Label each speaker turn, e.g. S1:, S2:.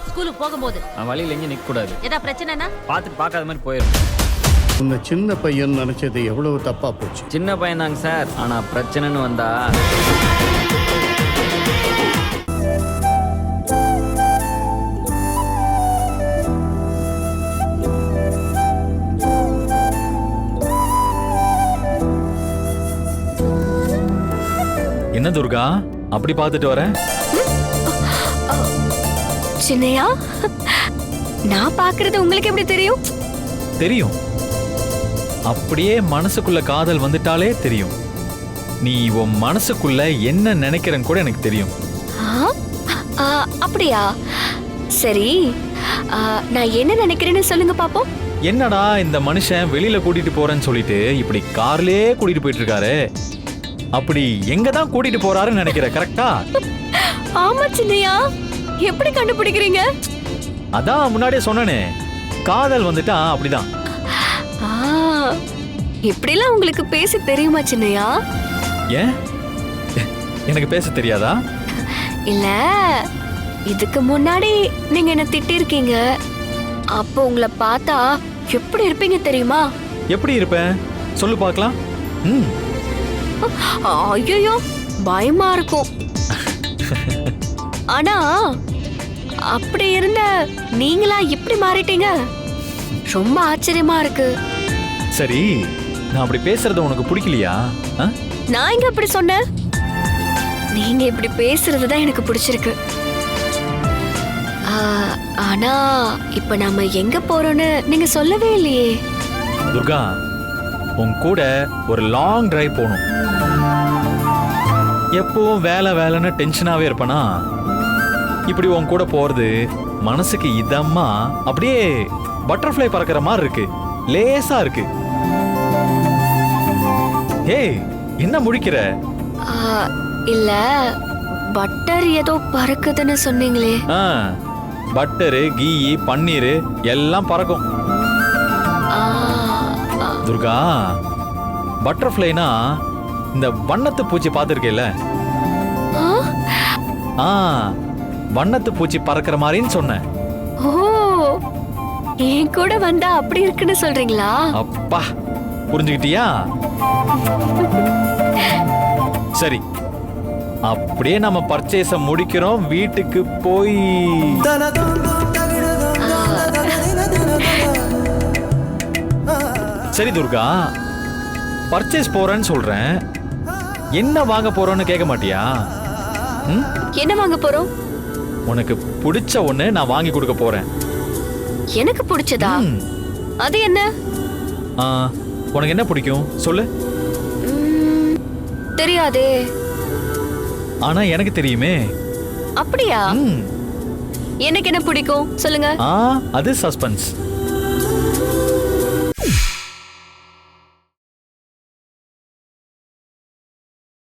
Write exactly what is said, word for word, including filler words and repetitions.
S1: ஸ்கூலுக்கு போகும்போது
S2: நான் வழியில எங்கேயும் நிக்க கூடாது.
S1: ஏதா பிரச்சனைனா
S2: பார்த்துட்டு பார்க்காத மாதிரி போயிடும்.
S3: உன்னை சின்ன பையன் நினைச்சது எவ்வளவு தப்பா போச்சு.
S2: சின்ன பையன் தாங்க சார், ஆனா பிரச்சனைன்னு வந்தா
S4: என்ன துர்கா அப்படி பார்த்துட்டு வரேன்?
S5: சின்னையா, நான் பாக்குறது உங்களுக்கு எப்படி தெரியும்?
S4: தெரியும். அப்படியே மனசுக்குள்ள காதல் வந்துட்டாலே தெரியும். நீ உன் மனசுக்குள்ள என்ன நினைக்கிறன்னு கூட எனக்கு தெரியும்.
S5: ஆ? ஆ, அப்படியா? சரி, ஆ, நான் என்ன நினைக்கிறேன்னு சொல்லுங்க பாப்போம்.
S4: என்னடா இந்த மனுஷன் வெளியில கூட்டிட்டு போறேன்னு சொல்லிட்டு இப்படி கார்லயே கூட்டிட்டு போயிட்டு இருக்காரு. அப்படி எங்க தான் கூட்டிட்டு போறாருன்னு நினைக்கிற, கரெக்டா?
S5: ஆமா சின்னையா, எப்படி கண்டுபிடிக்கிறீங்க?
S4: அதான் முன்னாடியே சொன்னனே, காதல் வந்துட்டா அப்படிதான்.
S5: ஆ, இப்படிலாம் உங்களுக்கு பேச தெரியுமா சின்னையா?
S4: ஏன் எனக்கு பேச தெரியாதா?
S5: இல்ல, இதுக்கு முன்னாடி நீங்க என்ன திட்டிருக்கீங்க. அப்போ உங்களை பார்த்தா எப்படி இருப்பீங்க தெரியுமா?
S4: எப்படி இருப்பேன் சொல்லு பார்க்கலாம். ம்
S5: ஐயோ, பயமா இருக்கும். ஆனா அப்படி இருந்த நீங்களா இப்படி மாறிட்டீங்க, ரொம்ப ஆச்சரியமா இருக்கு.
S4: சரி, நான் அப்படி பேசுறது உனக்கு பிடிக்கலையா? ஆ?
S5: நான் இங்க அப்படி சொன்னேன்? நீங்க இப்படி பேசுறதுதான் எனக்கு பிடிச்சிருக்கு. ஆ, ஆனா இப்ப நாம எங்க போறோம்னு நீங்க சொல்லவே இல்லையே.
S4: துர்கா, உன் கூட ஒரு லாங் டிரைவ் போகணும். எப்பவும் வேலை வேலைன்னு டென்ஷனாவே இருப்பனா, இப்படி உன் கூட போறது மனசுக்கு இதமா அப்படியே பட்டர்ஃப்ளை பறக்கிற மாதிரி இருக்கு, லேசா இருக்கு. ஏய், என்ன முழிக்கிற?
S5: ஆ, இல்ல, பட்டர் ஏதோ பறக்குதுன்னு சொன்னீங்களே.
S4: ஆ, பட்டரு, கீ, பன்னீர் எல்லாம் பறக்கும்.
S5: ஆ, ஆ,
S4: துர்கா, பட்டர்ஃப்ளைனா இந்த வண்ணத்து பூச்சி பார்த்துருக்கேல்ல?
S5: ஆ?
S4: ஆ, வண்ணத்து பூச்சி பறக்கிற மாதிரின்னு சொன்னேன்.
S5: ஓ, என் கூட வந்தா அப்படி இருக்குன்னு சொல்றீங்களா?
S4: அப்பா, புரிஞ்சுக்கிட்டியா? சரி, அப்படியே நம்ம பர்ச்சேஸ முடிக்கிறோம், வீட்டுக்கு போய். சரி துர்கா, பர்ச்சேஸ் போறேன்னு சொல்றேன், என்ன வாங்க போறோம்னு கேட்க மாட்டியா? ம்?
S5: என்ன வாங்க போறோம்?
S4: உனக்கு பிடிச்ச ஒண்ணு நான் வாங்கி கொடுக்க போறேன்.
S5: எனக்கு பிடிச்சதா?
S4: ம்.
S5: அது என்ன?
S4: ஆ, உனக்கு என்ன பிடிக்கும் சொல்லு.
S5: ம், தெரியாதே.
S4: ஆனா எனக்கு தெரியுமே.
S5: அப்படியா?
S4: ம்.
S5: எனக்கு என்ன பிடிக்கும் சொல்லுங்க.
S4: ஆ, அது சஸ்பென்ஸ்.